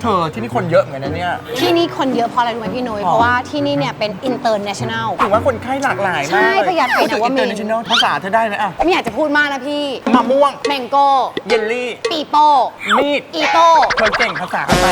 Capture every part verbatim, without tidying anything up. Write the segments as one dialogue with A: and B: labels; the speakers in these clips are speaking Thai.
A: เธอที่นี่คนเยอะเหมือนกันนะเนี่ย
B: ที่นี่คนเยอะเพราะอะไรรู้ไหมพี่นุ้ย เพราะว่าที่นี่เนี่ยเป็น international
A: ถึงว่าคนไข้หลากหลายมาก
B: ใช่พญาไทนวมินทร์
A: international ภาษาเธอได้ไหมอ่ะ
B: ไม่อยากจะพูดมากนะพี่
A: มะม่วง
B: แมงโก้
A: เยลลี่
B: ปีโป้
A: มีด
B: อีโต้
A: เธอเก่งภาษาอะไร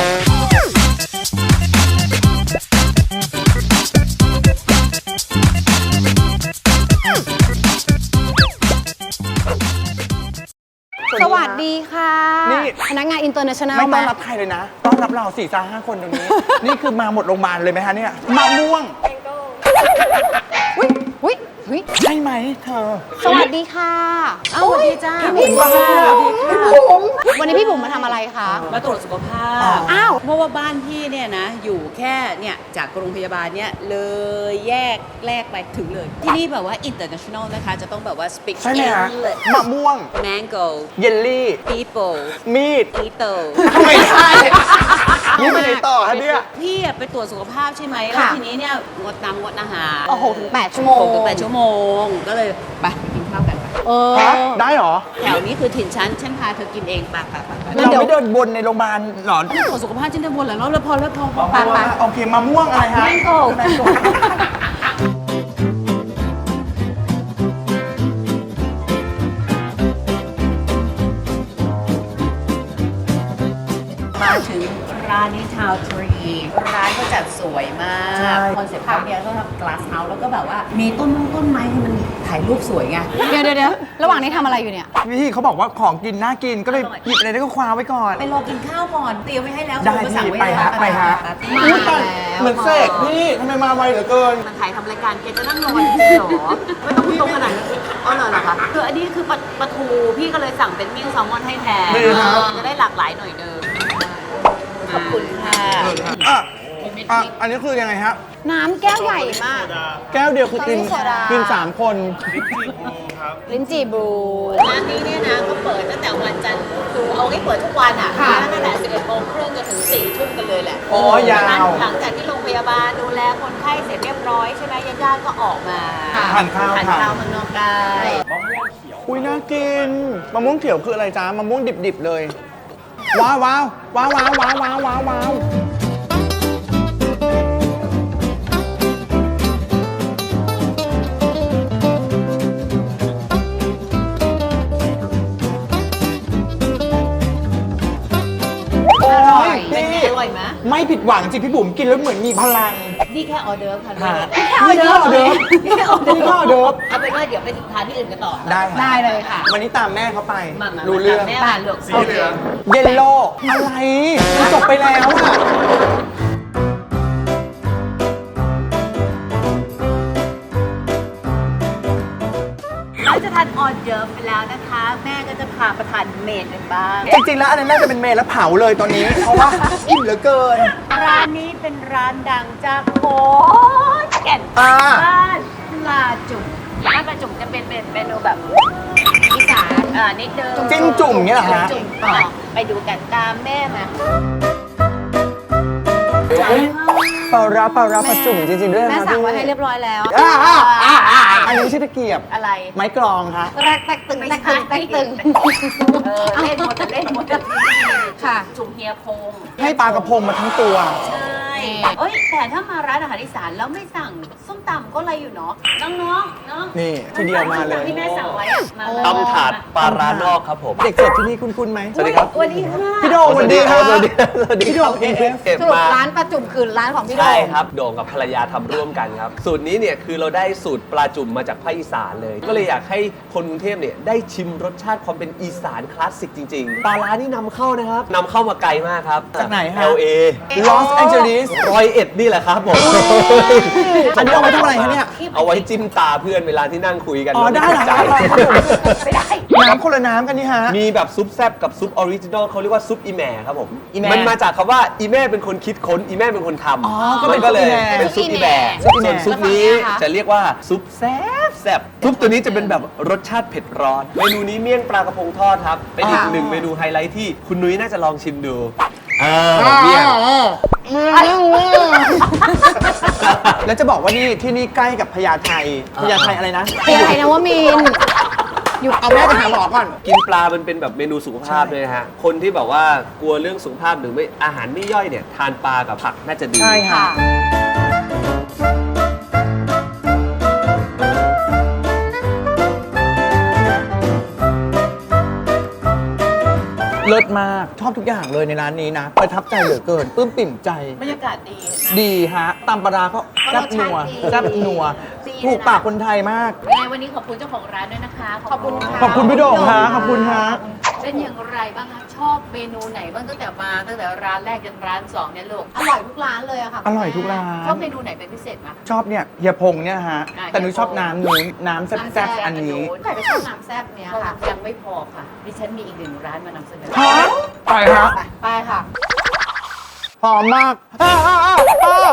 B: สวัสดีค่ะ
A: นี่
B: พนักงาน international
A: ไม่ต้อน
B: มา
A: รับใครเลยนะ ต้อนรับเราสี่สาห้าคนตรงนี้ นี่คือมาหมดโรงพยาบาลเลยไหมคะเนี่ยมะม่วง
B: อุ้ยอุ้ยอุ้ย
A: ใช่ไหมเธอ
B: สวัสดีค่ะ
C: อ้าวสวัสดีจ้า
B: พี่บุ๋ม
A: สวัสดีค่ะ
B: วันนี้พี่บุ๋มมาทำอะไรคะ
C: มาตรวจสุขภาพ
B: อ้าว
C: เพราะว่าบ้านพี่เนี่ยนะ อยู่แค่เนี่ยจากโรงพยาบาลเนี่ยเลยแยกแลกไปถึงเลย ที่นี่แบบว่า international นะคะ จะต้องแบบว่า speak
A: ใช่ไหมฮะ
C: English
A: มะม่วง
C: mango
A: เยลลี่
C: people
A: มีด
C: ito
A: ไม่ใช่ นี่ไปไหนต่อฮะเนี่ย
C: พี่อะไปตรวจสุขภาพใช่ไหมแล้วทีนี้เนี่ยงดน้ำงดอาหาร
B: โอ้โหถึงแปดชั่วโมง
C: หกถึงแปดชั่วโมง ก็เลยไปไปกินข้าวกันไป
B: เออ
A: ฮะได้เหรอ
C: แถวนี้คือถิ่นฉัน ฉันพาเธอกินเองไปไปไปไป
B: งั้น
A: เรา
B: เดี๋ยว
A: ไม่เดินบนในโรงพยาบาลหรอ
C: ไม่ตรวจสุขภาพฉันจะวนหลายรอบแล้วพอแล้วพอพอไปไป
A: โอเคมะม่วงอะไรฮะ
C: Mango
A: แมงโก้
C: มาถึงร้านนี้ทาวทรีร้านก็จัดสวยมาก
A: ใช่
C: คอนเซ็ปต์เขาเนี่ยก็ทำ glass house แล้วก็แบบว่ามีต้นมงต้นไม้ที่มันถ่ายรูปสวยไง
B: เดี๋ยวเดี๋ยวเดี๋ยวระหว่างนี้ทำอะไรอยู่เนี่ย
A: พี่เขาบอกว่าของกินน่ากินก็เลยหยิบอะไรได้ก็คว้าไว้ก่อน
C: ไปรอกินข้าวก่อนเตรียมไว้ให้แล้ว
A: ได้
C: คุณก็สั่ง
A: พี่
C: ไว้
A: ไป
C: แล้ว
A: ฮะไปฮะ
C: มา
A: อุ๊ย
C: แล้
A: ตายว เหมือนเสกพี่ทำไมมาไวเหลือเกิน
C: มันถ่ายทำรายการแกจะนั่งรอจริงๆเหรอไม่ต้องพูดตรงขนาดนั้นอ๋อเหรอเหรอคะคืออันนี้คือปลาปลาทูพี่ก็เลยสั่งเป็นมิ้งแซลมอนให้แทน
A: ดีครับ
C: จะได้หลากหลายหน่อยเดิมขอบคุณค่ะ
A: อ่ะอ่ะอันนี้คือยังไงฮะ
B: น้ำแก้วใหญ่มาก
A: แก้วเดียวคือกิน
B: โซดากิ
A: กินสามคน
B: ลิ้นจี่บลู
C: ร้านนี้เนี่ยนะก็เปิดตั้งแต่วันจันทร์คือเอาให้เปิดทุกวันอ่ะ
B: ค่ะ
C: ตั้งแต่สิบเอ็ดโมงครึ่งจนถึงสี่ทุ่มกันเลยแหละ
A: อ๋อยาว
C: นั้นหลังจากที่โรงพยาบาลดูแลคนไข้เสร็จเรียบร้อยใช่ไหมญาติๆก็ออกมา
A: ทานข้าว
C: ทาน
A: ค่ะ
C: ข้าวเมืองนอกได้
A: อุ้ยน่ากินมะม่วงเขียวคืออะไรจ๊ะมะม่วงดิบๆเลย ว้าวว้าวว้าวว้าวว้าวว้าวว้าวว้าวโอ้ย
C: เป็นไง
A: พี่
C: อร่อยไหม
A: ไม่ผิดหวังจริงพี่บุ๋มกินแล้วเหมือนมีพลัง
C: นี่แค่ออเดิร์ฟค่ะ
A: ค่ะ
C: นี่แค่ออเดิร์ฟ
A: นี่แค่ออเดิร์ฟ
C: นี่แค่ออ
A: นี่แค่ออเดิ
C: เดิ
A: ร์
C: ร์
A: ฟ
C: ฟเอาเป็นว่าเดี๋ยวไปทานที่อื่นกันต่อ
A: ได้ค่ะ
B: ได้เลยค่ะ
A: วันนี้ตามแม่เขาไป
C: มามา
A: รู้เรื่อง
C: แม่มาลูกสีเหลือง
A: เยลโล่อะไรมันจบไปแล้วอะ
C: เราจะทานออเดิร์ฟไปแล้วนะคะ แม่ก็จะพาประทานเมนกันบ้าง
A: จริงๆแล้วอันนั้นน่าจะเป็นเมนแล้วเผาเลยตอนนี้ เพราะว่าอิ่มเหลือเกิน
C: ร้านนี้เป็นร้านดังจากโคแก่น
A: อ่า
C: บ้านปลาจุ่มร้านปลาจุ่มจะเป็นเมนูแบบอีสานอ่านิดเดิม
A: จิ้มจุ่มเนี่ยเหรอฮะ
C: จุ่มอ่ะไปดูกันตามแม่มา
A: ปลาร้าปลาร้าปลาจุ่มจริงๆด้วยนะ
B: แม่
A: คะ
B: สั่งไว้
A: พี่
B: ให้เรียบร้อยแล้ว
A: อ่าอ่าอ่าอ่าอันนี้ไม่ใช่ตะเกียบ
C: อะไร
A: ไม้กรองคะ
B: แรกแตกตึงแตกตึงแตกตึง
C: เออเล่นหมดแต่เล่นหมดแต่
B: ค่ะ
C: จุ่มเฮียพง
A: ให้ปลากระพงมาทั้งตัว
C: ใช่เอ้ยแต่ถ้ามาร้านอาหารอีสานแล้วไม่สั่งส้มตำก็อะไรอยู่เนาะน้องๆเนาะ
A: นี่ทีเดียวมาเลย
C: ที่แม่สั่งไว้อะมาเลย
D: ตำถาดปลาร้านอกครับผม
A: เด็กเสิร์ฟที่นี่คุ้นๆไหม
D: สวัสดีครับ
C: สวัสดีค่ะ
A: พี่โดสวัสดีครับ
D: สวัสดีครับสวัสดี
A: พี่
D: ค
A: โด
D: รับ
A: เอฟ
D: เก็บ
B: สรุป
D: มา
B: ร้านประจุมคือร้านของพี่โด
D: ใช่
B: ง
D: ครับ โด่งกับภรรยาทำร่วมกันครับ สูตรนี้เนี่ยคือเราได้สูตรปลาจุ่มมาจากภาคอีสานเลย ก็เลยอยากให้คนกรุงเทพเนี่ยได้ชิมรสชาติความเป็นอีสานคลาสสิกจริงๆ ปลาร้านี่นำเข้านะครับนำเข้ามาไกลมากครับ
A: จากไหนฮะ
D: แอล เอ
A: ลอสแองเจลิส
D: ร้อยเอ็ดนี่แหละครับผม
A: อันนี้เอาไว้ทำอะไรคะเนี่ย
D: เอาไว้จิ้มตาเพื่อนเวลาที่นั่งคุยกัน
A: อ๋อได้เหรอ
D: ใจ
C: ไม่ได้
A: น้ำคนละน้ำกันนี่ฮะ
D: มีแบบซุปแซบกับซุปออริจินอลเขาเรียกว่าซุปอีแหม่ครับผม
A: อีแหม่
D: มันมาจากคำว่าอีแม่เป็นคนคิดค้นอีแม่เป็นคนทำ
A: อ๋อก็เป็น
D: มัก็เลย
A: ซุปอีแหม่
D: เป็นซุปอีแหม่
A: ซุปอีแหม่
D: ส่วนซุปนี้
B: แล้วฝั่งเนี้ยคะ
D: จะเรียกว่าซุปแซบแซบซุปตัวนี้จะเป็นแบบรสชาติเผ็ดร้อนเมนูนี้เมี่ยงปลากระพงทอดครับเป็นอีกหนึ่งเมนูไฮไลท์ที่คุณนุ้ยน่าจะลองชิมดูอ่าเมี่ยง
A: แล้วจะบอกว่านี่ที่นี่ใกล้กับพญาไทพญาไทอะไรนะ
B: เพียไทยนวมินทร์
A: หยุดเอาแม่ไปหาหมอก่อน
D: กินปลามันเป็นแบบเมนูสุขภาพเลยนะฮะ คนที่แบบว่ากลัวเรื่องสุขภาพหรือไม่อาหารไม่ย่อยเนี่ยทานปลากับผักน่าจะดี
A: ใช่ค่ะ เลิศมาก ชอบทุกอย่างเลยในร้านนี้นะ ประทับใจเหลือเกินปลื้มปิ่มใจ
C: บรรยากาศดี
A: ดีฮะตำปลาร้าก็แซ่บนัวแซ่บนัว
C: ดี
A: ถูกปากคนไทยมาก
C: ยังไงวันนี้ขอบคุณเจ้าของร้านด้วยนะคะ
B: ขอบคุณค่ะ
A: ขอบคุณพี่โด่งฮะขอบคุณฮะ
C: เป็นอย่างไรบ้างคะ ชอบเมนูไหนบ้างตั้งแต่มาตั้งแต่ร้านแรกจนร้านสองเนี่ยลูก
B: อร่อยทุกร้านเลยอะค่ะ
A: อร่อยทุกร้าน
C: ชอบเมนูไหนเป็นพิเศษไหม
A: ชอบเนี่ยเฮียพงเนี่ยฮะ
C: อ่ะ
A: แต่หนูชอบน้ำนู้นน้ำแซ่บๆอันนี้
B: ใครก็ชอบน้ำแซ่บเนี้ยค่ะ
C: ยังไม่พอค่ะ ดิฉันมีอีกหนึ่งร้านมานำเสนอ
A: ฮะไปฮะ
B: ไปค่ะ
A: หอมมากอ้าอ้าอ้าอ้า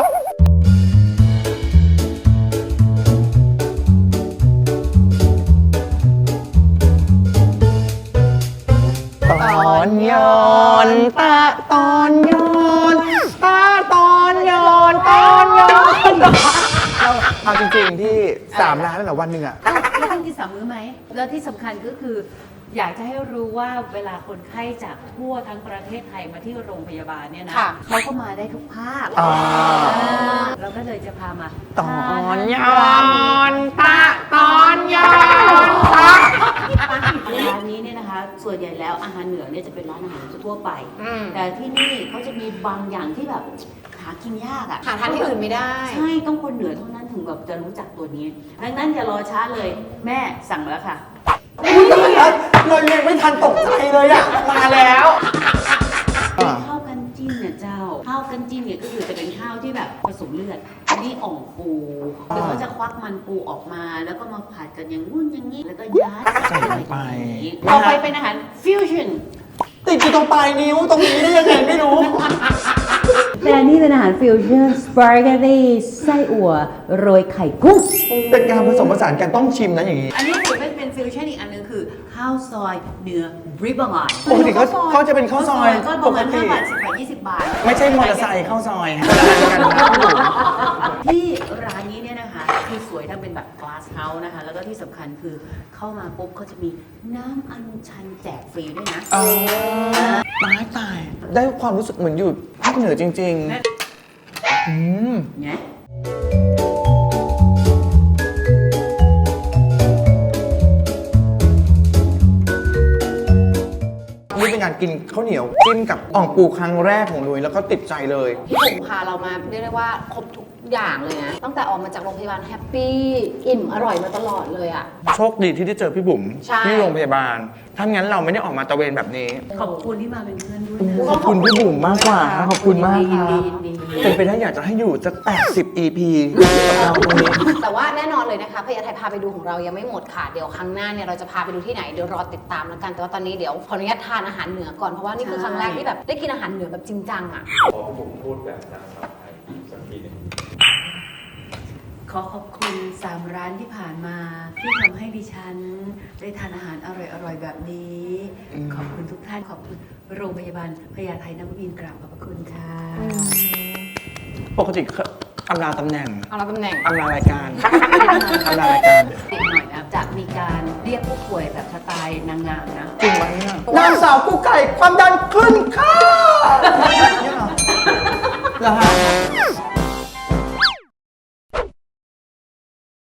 A: ตอนย้อนตาตอนย้อนตาตอนย้อนตอนย้อนเอาจริงๆที่สามร้านแล้วเหรอวันหนึ่งอะ
C: แล้วต้องกินสามมื้อไหม แล้วที่สำคัญก็คือ อยากจะให้รู้ว่าเวลาคนไข้จากทั่วทั้งประเทศไทยมาที่โรงพยาบาลเนี่ยนะ
B: ค่ะ
C: เขาก็มาได้ทุกภาค
A: อ่า
C: อ่าเราก็เลยจะพามา
A: ตอนย้อนตาตอนย้อนตา
C: ร้านนี้เนี่ยนะคะ ส่วนใหญ่แล้วอาหารเหนือเนี่ยจะเป็นร้านอาหารทั่วไป
B: อืม
C: แต่ที่นี่เขาจะมีบางอย่างที่แบบหากินยากอะ
B: หาทานที่อื่นไม่ได้
C: ใช่ ต้องคนเหนือเท่านั้นถึงแบบจะรู้จักตัวนี้ ดังนั้นอย่ารอช้าเลย แม่สั่งมาแล้วค่ะ
A: เรายังไม่ทันตกใจเลยอะมาแล้ว
C: เป็นข้าวกันจิ้นเนี่ยเจ้า ข้าวกันจิ้นเนี่ยก็คือจะเป็นข้าวที่แบบผสมเลือด อันนี้อ่องปูคือเขาจะควักมันปูออกมา แล้วก็มาผัดกันอย่างงู้นอย่างนี้ แล้วก็ยัด
A: ใส่ลงไป
C: ต่อไปเป็นอาหารฟิวชั่น
A: ติดอยู่ตรงปลายนิ้วตรงนี้ได้ยังไงไม่รู้
C: แต่อันนี้เป็นอาหารฟิวชั่นสปาเกตตี้ไส้อั่วโรยไข่กุ้ง
A: เป็นการผสมผสานกันต้องชิมนะอย่างนี้
C: อันนี้ถือเป็นเป็นฟิวชั่นอีกอันหนึงคือ ข้าวซอยเนื้อบริบอน
A: ปกติเขาเขาจะเป็นข้าวซอย
C: ก็ป
A: ประ ก
C: มาณ
A: ติ
C: ห้าบาทสิบบาทยี่สิบบาท
A: ไม่ใช่มอเตอร์ไซค์ข้าวซอยฮะคนละอันกันนะพี่บุ๋ม
C: ที่ร้านนี้เนี่ยนะคะคือสวยทั้งเป็นแบบ glass house นะคะ แล้วก็ที่สำคัญคือเข้ามาปุ๊บเขาจะมีน้ำอัญชันแจกฟรีด้วยนะ
A: อ๋อตายตาย ได้ความรู้สึกเหมือนอยู่ภาคเหนือจริง ๆ อืม
C: เนี่ย
A: นี่เป็นการกินข้าวเหนียวจิ้มกับอ่องปูครั้งแรกของนุ้ยแล้วก็ติดใจเลย
B: พี่บุ๋มพาเรามาเรียกได้ว่าครบทุกอย่างเลยนะ ตั้งแต่ออกมาจากโรงพยาบาลแฮปปี้อิ่มอร่อยมาตลอดเลยอะ
A: โชคดีที่ได้เจอพี่บุ๋ม
B: ใช่
A: ที่โรงพยาบาล ถ้างั้นเราไม่ได้ออกมาตระเวนแบบนี้
C: ขอบคุณที่มาเป็นเพื่อนด้วยนะ
A: ขอบคุณพี่บุ๋มมากกว่า ขอบคุณมาก
C: ยิ
A: คน รั
C: ดี
A: บ
C: ยินดี
A: เป็นไปได้อยากจะให้อยู่สักแปดสิบ อี พีกับเราตรงนี้
B: แต่ว่าแน่นอนเลยนะคะพยาไทยพาไปดูของเรายังไม่หมดค่ะ เดี๋ยวครั้งหน้าเนี่ยเราจะพาไปดูที่ไหนเดี๋ยวรอติดตามแล้วกัน แต่ว่าตอนนี้เดี๋ยวขออนุญาตทานอาหารเหนือก่อน เพราะว่านี่คือครั้งแรกที่แบบได้กินอาหารเหนือแบบจริงจังอ่ะ
C: ขอขอบคุณสามร้านที่ผ่านมา ที่ทำให้ดิฉัน ได้ทานอาหารอร่อยๆแบบนี้ ขอบคุณทุกท่านขอบคุณโรงพยาบาลพญาไทนวมินทร์กราบขอบพระคุณค่ะ
A: ปกติอำลาตำแหน่ง
B: เอาละตำแหน่ง
A: อำลารายการอำลารายการ
C: อีกหน่อยนะจะมีการเรียกผู้ป่วยแบบสไตล์นางงามนะ
A: จริงไหมเนี่ยนางสาวกู้ไก่ความดันขึ้นค่ะเนี่ยเหรอเหรอฮะ